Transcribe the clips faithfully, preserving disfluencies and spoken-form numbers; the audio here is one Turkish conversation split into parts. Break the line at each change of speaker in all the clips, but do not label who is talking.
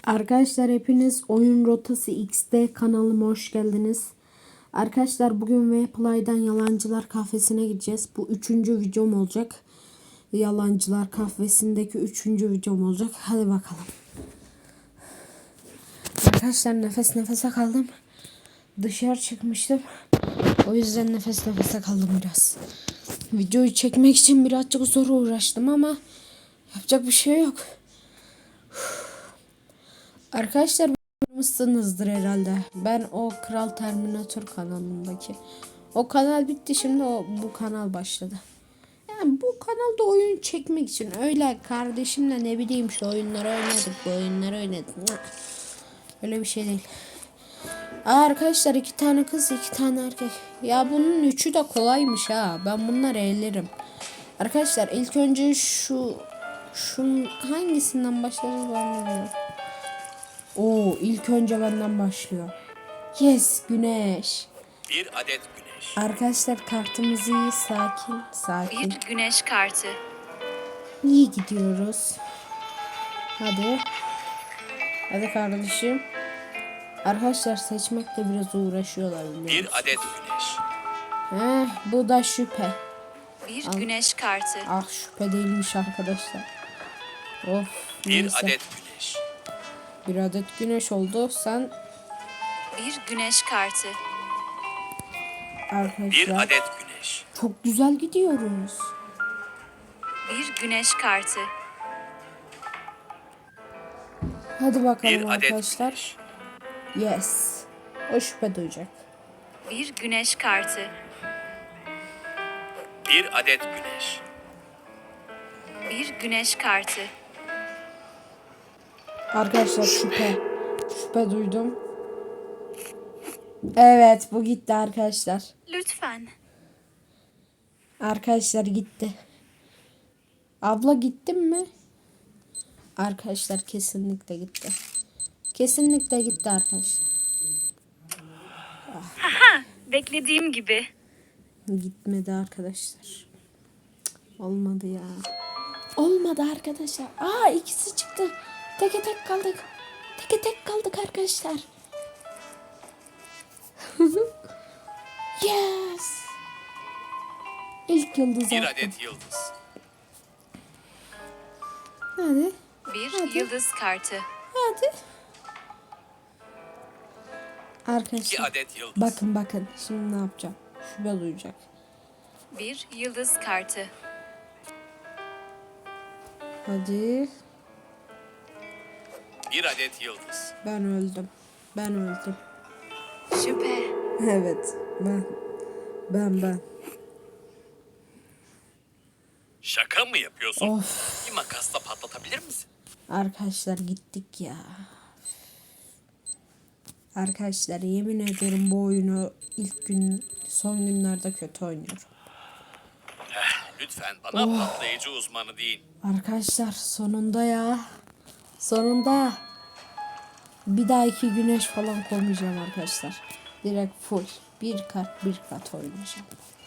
Arkadaşlar hepiniz Oyun Rotası X'de kanalıma hoş geldiniz. Arkadaşlar bugün Vplay'dan Yalancılar Kahvesi'ne gideceğiz. Bu üçüncü videom olacak. Yalancılar Kahvesi'ndeki üçüncü videom olacak. Hadi bakalım. Arkadaşlar nefes nefese kaldım. Dışarı çıkmıştım. O yüzden nefes nefese kaldım biraz. Videoyu çekmek için birazcık zor uğraştım ama yapacak bir şey yok. Arkadaşlar mısınızdır herhalde. Ben o Kral Terminator kanalındaki. O kanal bitti, şimdi o bu kanal başladı. Yani bu kanalda oyun çekmek için öyle kardeşimle ne bileyim şu oyunları oynadık, bu oyunları oynadık. Öyle bir şey değil. Aa, arkadaşlar iki tane kız iki tane erkek. Ya bunun üçü de kolaymış ha. Ben bunları ellerim. Arkadaşlar ilk önce şu şunun hangisinden başlarız ben bilmiyorum. Oo, ilk önce benden başlıyor. Yes, güneş.
Bir adet güneş.
Arkadaşlar kartımız iyi, sakin, sakin.
Bir güneş kartı.
İyi gidiyoruz. Hadi. Hadi kardeşim. Arkadaşlar seçmekle biraz uğraşıyorlar biliyor musun?
Bir adet güneş.
Heh, bu da şüphe.
Bir
Al.
güneş kartı.
Ah, şüphe değilmiş arkadaşlar. Of,
Bir
neyse.
adet güneş.
Bir adet güneş oldu. Sen
Bir güneş kartı.
arkadaşlar
Bir adet güneş.
çok güzel gidiyoruz.
Bir güneş kartı.
Hadi bakalım
Bir adet
arkadaşlar.
güneş.
Yes. O şüphe duyacak.
Bir güneş kartı.
Bir adet güneş.
Bir güneş kartı.
Arkadaşlar şüphe. Şüphe duydum. Evet, bu gitti arkadaşlar.
Lütfen.
Arkadaşlar gitti. Abla gittin mi? Arkadaşlar kesinlikle gitti. Kesinlikle gitti arkadaşlar.
Beklediğim gibi.
Gitmedi arkadaşlar. Cık, olmadı ya. Olmadı arkadaşlar. Aa, ikisi çıktı. Teke tek kaldık. Teke tek kaldık arkadaşlar. Yes. İlk yıldız
Bir
attım.
adet yıldız.
Hadi.
Bir
Hadi.
yıldız kartı.
Hadi.
İki
Arkadaşlar
adet yıldız.
bakın bakın şimdi ne yapacağım. Şüphe duyacak.
Bir yıldız kartı.
Hadi.
Bir adet yıldız.
Ben öldüm. Ben öldüm.
Şüphe.
Evet. Ben. Ben ben.
Şaka mı yapıyorsun?
Of.
Bir makasla patlatabilir misin?
Arkadaşlar gittik ya. Arkadaşlar yemin ederim bu oyunu ilk gün son günlerde kötü oynuyorum.
Lütfen bana patlayıcı uzmanı değil.
Arkadaşlar sonunda ya. Sonunda. Bir daha iki güneş falan koymayacağım arkadaşlar. Direkt full. Bir kat bir kat oynayacağım.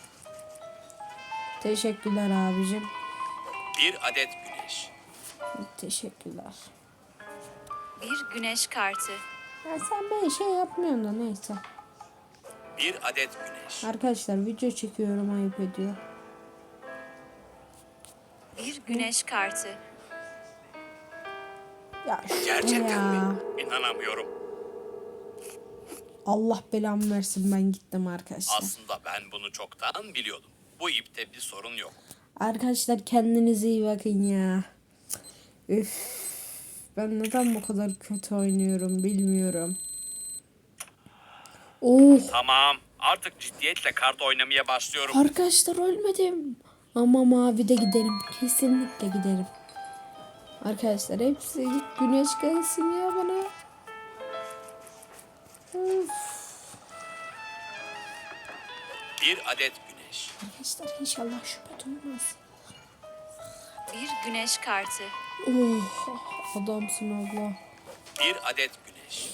Teşekkürler abicim.
Bir adet güneş.
Teşekkürler.
Bir güneş kartı.
Ya sen böyle şey yapmıyorsun da neyse.
Bir adet güneş.
Arkadaşlar video çekiyorum, ayıp ediyor.
Bir güneş kartı.
Ya şu
Gerçekten
ya.
mi? İnanamıyorum.
Allah belamı versin, ben gittim arkadaşlar.
Aslında ben bunu çoktan biliyordum. Bu ipte bir sorun yok.
Arkadaşlar kendinize iyi bakın ya. Üf. Ben neden bu kadar kötü oynuyorum bilmiyorum. Oh.
Tamam. Artık ciddiyetle kart oynamaya başlıyorum.
Arkadaşlar ölmedim. Ama mavide giderim. Kesinlikle giderim. Arkadaşlar hepsi güneş gelsin ya bana. Of.
Bir adet güneş.
Arkadaşlar inşallah şüphe duymaz.
Bir güneş kartı.
Oh, adamsın abla.
Bir adet güneş.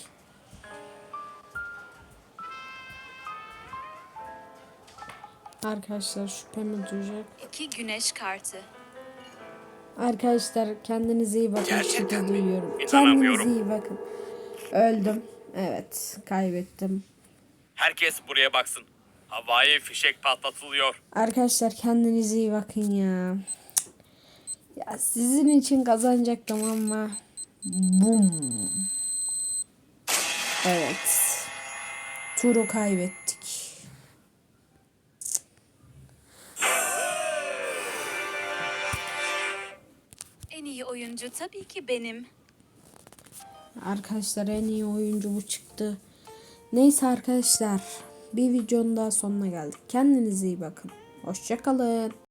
Arkadaşlar şüphemi duyacak.
İki güneş kartı.
Arkadaşlar kendinize iyi bakın.
Gerçekten
Şiddet
mi?
duyuyorum.
İnanamıyorum.
Kendinize iyi bakın. Öldüm. Evet, kaybettim.
Herkes buraya baksın. Havai fişek patlatılıyor.
Arkadaşlar kendinize iyi bakın ya. Ya sizin için kazanacaktım ama bum. Evet. Turu kaybettik.
En iyi oyuncu tabii ki benim.
Arkadaşlar en iyi oyuncu bu çıktı. Neyse arkadaşlar, bir videonun daha sonuna geldik. Kendinize iyi bakın. Hoşça kalın.